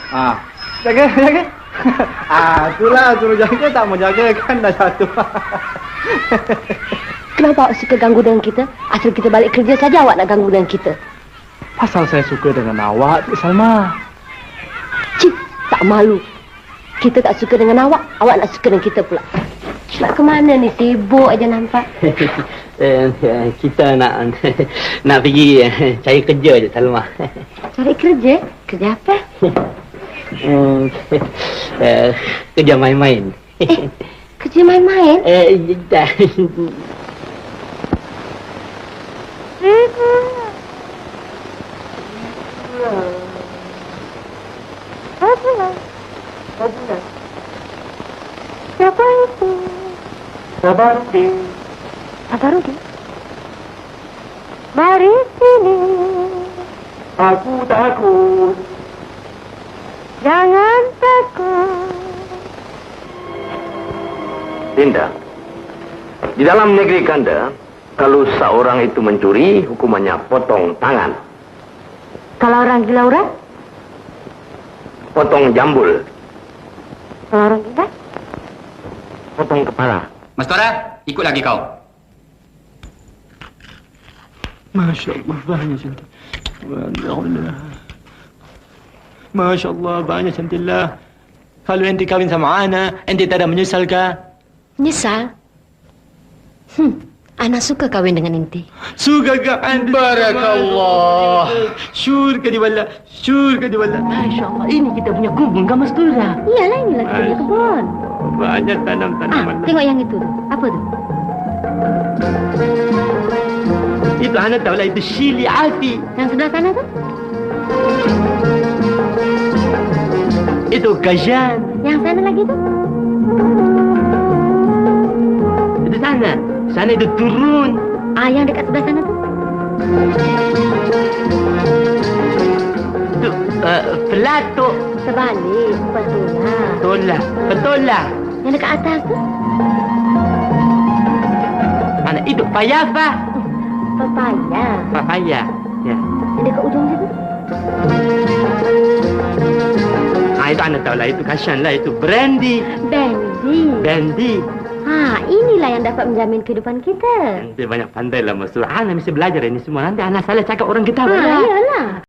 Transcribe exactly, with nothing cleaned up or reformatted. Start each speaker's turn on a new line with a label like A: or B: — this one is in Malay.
A: Ah, jaga, jaga. Ah, itulah suruh jaga, tak mau jaga kan dah satu.
B: Kenapa awak suka ganggu dengan kita? Asal kita balik kerja saja awak nak ganggu dengan kita.
A: Pasal saya suka dengan awak, Cik Salma.
B: Cik, tak malu. Kita tak suka dengan awak, awak nak suka dengan kita pula. Nak ke mana ni? Sibuk aja nampak.
C: Kita nak nak pergi cari kerja je, Salma.
B: Cari kerja? Kerja apa?
C: Kerja main-main.
B: Eh, kerja main-main?
C: Eh, dah.
B: Siapa itu?
C: Sabarudin.
B: Sabarudin? Mari sini.
C: Aku takut.
B: Jangan takut.
D: Dinda, di dalam negeri Kanda, kalau seorang itu mencuri, hukumannya potong tangan.
B: Kalau orang gila orang?
D: Potong jambul.
B: Kalau orang gila?
D: Potong kepala.
E: Mas Tora, ikut lagi kau.
A: Masya Allah, banyak cantik. Alhamdulillah. Masya Allah, banyak cantiklah. Kalau ente kawin sama Ana, ente tak ada menyesal kah?
B: Menyesal? Hmm, Ana suka kawin dengan inti.
A: Suka ke anda?
E: Barakallah.
A: Syur ke di wala, syur ke di wala.
B: Masya Allah, ini kita punya kebun, kan Mas Tura? Iyalah, inilah kita punya kebun.
A: Banyak
B: Ah,
A: tanam-tanaman.
B: tengok yang itu tu. Apa tu?
A: Itu Ana tahu lah, itu Shili Alfi.
B: Yang sebelah sana tu?
A: Itu Gajan.
B: Yang sana lagi tu?
A: Itu sana. Sana itu turun.
B: Ah, yang dekat sebelah sana tu?
A: Itu uh, Plato.
B: Terbalik, betul lah.
A: Betul lah, betul lah.
B: Yang dekat atas tu?
A: Mana itu Payafa.
B: Papaya.
A: Papaya. Ya.
B: Yang dekat ujung situ?
A: Ah, itu Ana tahu lah, itu Kashan lah, itu Brandy.
B: Bendy.
A: Brandy.
B: Ha, inilah yang dapat menjamin kehidupan kita.
A: Nanti banyak pandai lah, Mas. Ana mesti belajar ini semua. Nanti Ana salah cakap orang kita.
B: Ha, iyalah.